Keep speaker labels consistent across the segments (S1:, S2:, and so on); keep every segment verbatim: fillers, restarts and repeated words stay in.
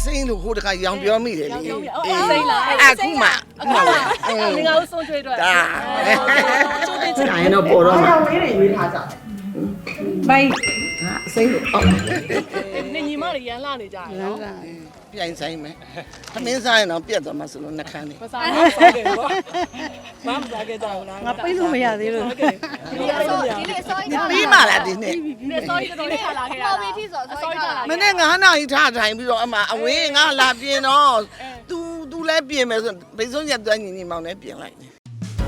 S1: စိမ့်လို့ဟိုတခါရောင်ပြောမိတယ်လေ
S2: အေးစိမ့်လား
S1: အခုမှအခုမှ
S2: ငငါ့ကိုဆုံးချွေးတော့
S1: ဒါ
S2: ကျိုးတင်ချစ်
S1: ဒါရင်တော့ပေါ်တော့မှာ
S3: အောင်လေးတွေရွေးထားကြတယ်ဘိုင်း
S1: ဟာစိမ့်လို့အော်
S2: နေညီမတွေရန်လာနေကြတယ်နော်
S1: ပြိုင်ဆိုင်မယ်သမင်းစားရင်တော့ပြတ်သွားမှာဆိုလို့နှခမ်းနေ
S2: မစားဘူးစားတယ်ပေါ့မမစားခဲ့ကြဘူးလား
S3: ငါပိတ်လို့မရသေးလို့
S2: ဒီနေ့အစောဒီနေ့အစော
S1: ပြီးမှလားဒီနေ့
S2: နေ့စောကြီးတော်တော်ထားလာခဲ့တာပေါ်ပြီးထိဆိုအစောကြီးထားလာ
S1: မနေ့ငါးနာရီထားထိုင်ပြီးတော့အမအဝင်းငါလာပြင်တော့ तू तू လည်းပြင်မယ်ဆိုဘိတ်ဆုံးရက်သွန်းညီညီမောင်လည်းပြင်လိုက်တယ်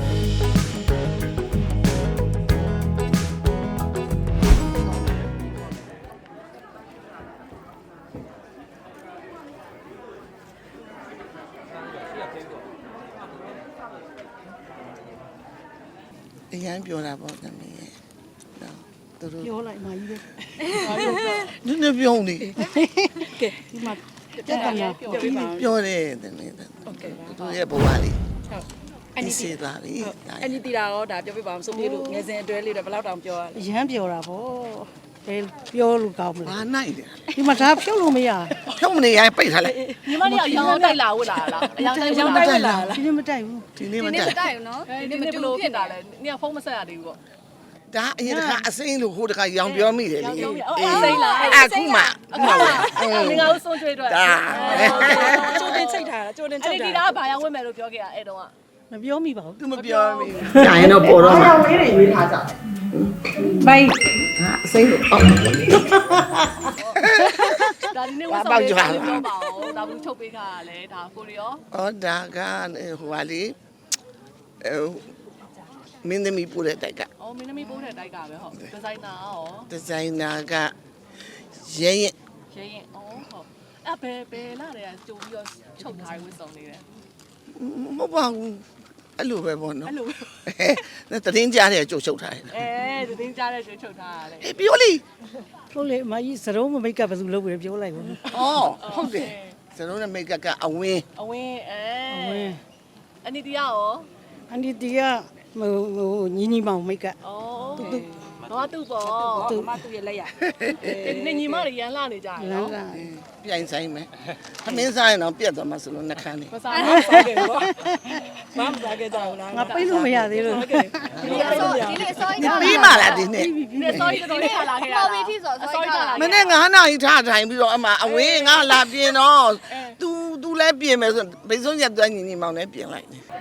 S1: အရင်ပြောတာပေါ့သမီးရဲ့သူတို့
S3: ပြောလိုက်မှကြီးပဲ
S1: နည်းနည်းပြောနေ
S3: ကဲဒီမှာတက်တယ်များ
S2: ပြောပြပါ
S1: ပြောတယ်သမီးဟုတ်ကဲ့သူတို့ရဲ့ဘဝလေး
S2: ဟုတ်
S1: အနီးစီသွားပြီ
S2: အညီတီတာရောဒါပြောပြပါအောင်ဆိုပြေလို့ငယ်စဉ်အတွဲလေးတော့ဘယ်လောက်တောင်ပြောရလဲ
S3: အရန်ပြောတာဗောဘယ်ပြောလို့ကောင်းမလဲ
S1: ဘာနိုင်တယ်
S3: ဒီမှာဒါဖြုတ်လို့မရ
S1: ဖြုတ်မနေရင်ပိတ်ထားလိုက်
S2: ညီမတို့ရောင်းတိုက်လာဝတ်လာလားအရောင်းတိုက်ရောင်းတိုက်လာလား
S3: ဒီနေ့မတိုက်ဘူး
S1: ဒီနေ့မတက်
S2: တိုက်ဘူးနော်ဒီနေ့ဘယ်လိုဖြစ်တာလဲနင်ကဖုန်းမဆက်ရသေးဘူးပေါ့
S1: ဒါအရင်တခါအစိမ့်လို့ဟိုတခါရောင်ပြောမိတယ်လေ
S2: အေးစိမ့်လား
S1: အခုမှအခုမှ
S2: ငငါ့ကိုဆုံးချွေးတော့
S1: ဒါ
S2: ကျိုးတင်ချိတ်ထားတာကျိုးတင်ချိတ်တာအဲ့ဒီဒါကဘာရောက်ဝင်မယ်လို့ပြောခဲ့ရအဲ့တုန်းက
S3: မပြောမိပါဘူး
S1: သူမပြောမိဘူးဒါရင်တော့ပေါ်တော့မှာ
S3: အောင်လေးတွေရွေးထားကြတယ်ဘိုင်း
S1: ဟာအစိမ့်လို့အော်
S2: ဒါဒီနေ့ဝတ်ဆောင်လေးပြောပါအောင်ဒါဘူးချုပ်ပေးခါရလဲဒါကိုရီရော
S1: အော်ဒါကဟိုဟာလေမင်းသမီးပို့တဲ့တိုက်က
S2: အော်မင်းသမီးပိုးတဲ့တိုက်ကပဲဟုတ်ဒီဇိုင်နာရော
S1: ဒီဇိုင်နာကရဲရင်
S2: ရဲရင်အော်ဟုတ်အဲ့ဘယ်ဘယ်လာတဲ့ကြိုပြီးတော့ချုပ်ထားဝတ်ဆောင်နေတယ်
S1: မဟုတ်ပါဘူးအဲ့လိုပဲပေါ့နော်
S2: အဲ့လို
S1: အဲတတင်းကြားတဲ့ကြိုးချုပ်ထားတယ်
S2: အဲတင်းကြားတဲ့ကြိုချုပ်ထားရတယ်
S1: အေးပြောလိ
S3: လို့လေအမကြီးစရုံးမမိတ်ကပ်ဘယ်သူလုပ်ပြီးပြောလိုက်ဘူး
S1: ဩဟုတ်တယ်စလုံးနဲ့မိတ်ကပ်ကအဝင်း
S2: အဝင်းအဲ
S3: ဝင်း
S2: အနီတီယာရော
S3: အန်ဒီတီကဟိုဟိုညီညီမောင်မိတ်ကပ်
S2: ဩတော့သူ့ပေါ့သူ့မသူ့ရဲ့လက်ရနေညီမတွေရန်လာနေကြတယ်
S3: လမ်း
S2: နော်
S3: က
S1: ပြိုင်ဆိုင်မယ်သမင်းစားရင်တော့ပြတ်သွားမှာဆိုလို့နှခမ်းနေ
S2: မစားဘူးစားတယ်ပေါ့မမစားခဲ့ကြဘူးလား
S3: ငါပိတ်လို့မရသေးလို့
S2: ဒီနေ့အစောဒီနေ့အစောကြီး
S1: ပြီးမှလားဒီနေ့
S2: ဒီနေ့စောကြီးတော်တော်ထားလာခဲ့တာပေါ်ပြီးထိဆိုအစောကြီးထားလာ
S1: မနေ့ငါးနာရီထားထိုင်ပြီးတော့အမအဝင်းငါလာပြင်တော့ तू तू လည်းပြင်မယ်ဆိုဘိတ်ဆုံးရက်သွန်းညီညီမောင်လည်းပြင်လိုက်တယ်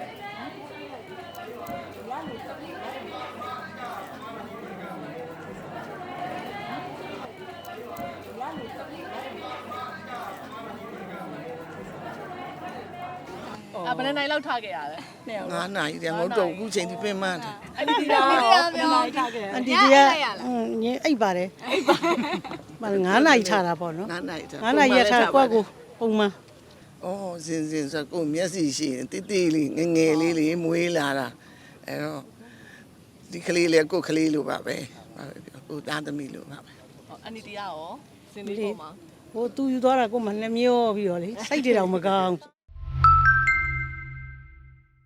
S2: အဘယ်နိုင်လောက်ထားခဲ့ရလဲနှစ်ယောက်
S1: ငါးနာရီတည်းငုတ်တော့အခုချိန်ဒီပြင်မှန်းတယ်
S2: အဲ့ဒီတရားပြောထားခဲ့ရ
S3: အန်တီတီကညအိပ်ပါတယ်အိပ်ပါမငါးနာရီထားတာပေါ့နော်
S1: ငါးနာရီထား
S3: ငါးနာရီရထားကွက်ကိုပုံမှန်
S1: ဩစင်စင်ဆိုကိုမျက်စိရှိရင်တိတိလေးငငယ်လေးလေးမွေးလာတာအဲ့တော့ဒီကလေးလေးကိုကလေးလိုပါပဲပါပဲပြောကိုသားသမီးလိုပါပဲ
S2: အနီတရားရောစင်လေးပေါ်မှာ
S3: ဟိုသူယူသွားတာကိုမှနှမျောပြီးတော့လေစိတ်တွေတော့မကောင်း